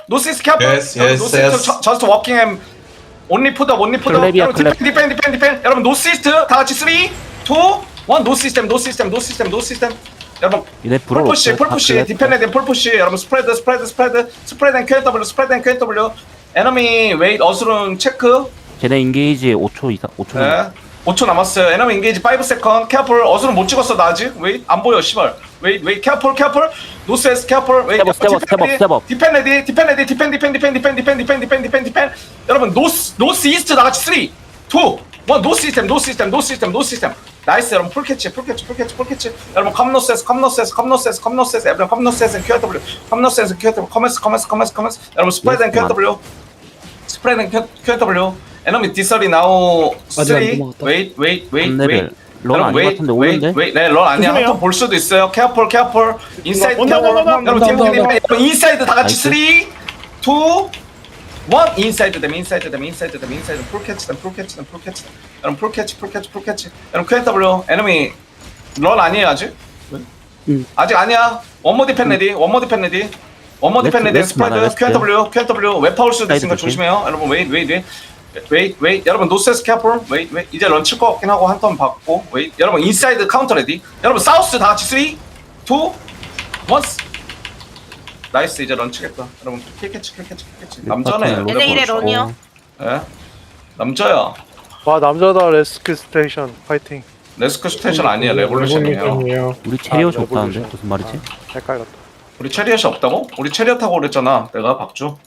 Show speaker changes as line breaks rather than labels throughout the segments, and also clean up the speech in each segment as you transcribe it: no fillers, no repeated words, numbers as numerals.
노시스 캐플.
Yes, yes,
노시스
yes.
저스트 워킹 햄. 온리 푸드업, 온리 푸드업.
클랩이야,
여러분
클랩.
디펜. 여러분 노시스트 다 같이 3, 2, 1. 노시스템. 여러분
얘네 불어
폴푸시 디펜드 폴푸시. 여러분 스프레드 앤 QW. 에너미 웨이트 어스룬 체크.
쟤네 인게이지 5초 이상 5초
네. 5초 남았어요. 에너미 인게이지 5 세컨. 캐플 어스룬 못 찍었어 나 아직. 웨이트 안 보여 씨발. 웨이트 캐플. 노스에스 캐플. 웨이트
스텝업.
디펜. 여러분 노스 이스트 다 같이 3, 2, 1. 노시스템. 나이스. 여러분 풀캐치. 여러분 컴노세스. 여러분 컴노세스 QW. 커머스. 여러분 스프레드 앤 QW. 에너미 디설이 나오 3. 웨이트.
런 아닌 것 같은데 오는데?
네, 런 아니야. 한번 볼 수도 있어요. 캐플. 인사이드 캐플. 여러분 팀 인사이드 다 같이 3, 2, 1. 인사이드 댐. 풀캐치. 여러분 풀캐치. 여러분 QW. 에너미 런 아니에요 아직? 아직 아니야. 원모 디펜 레디. 스프레드. QW. 웹파울 수도 있으니까 조심해요. 여러분 웨이트. 여러분 노세스 캐플. 웨이트. 이제 런 칠 것 같긴 하고 한 턴 받고. 웨이트. 여러분 인사이드 카운터 레디. 여러분 사우스 다 같이 3, 2, 1. 나이스. 이제 런 치겠다. 여러분 킬캐치. 남자네.
얘네 이래 런이요.
예? 남자야.
와 남자다. 레스큐 스테이션 파이팅.
레스크 스테이션 아니야. 레볼루션이에요.
우리 체리엇이
아,
없다는데
레볼루션.
무슨 말이지?
헷갈렸다.
우리 체리엇이 없다고? 우리 체리엇 타고 그랬잖아. 내가 박주.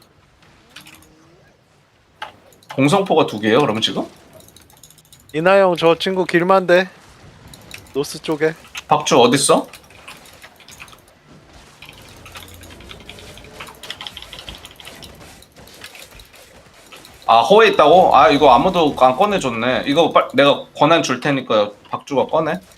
공성포가 2개예요. 그러면 지금?
이나 형 저 친구 길만데 노스 쪽에.
박주 어딨어? 아 호에 있다고? 아 이거 아무도 안 꺼내줬네. 이거 내가 권한 줄 테니까 박주가 꺼내.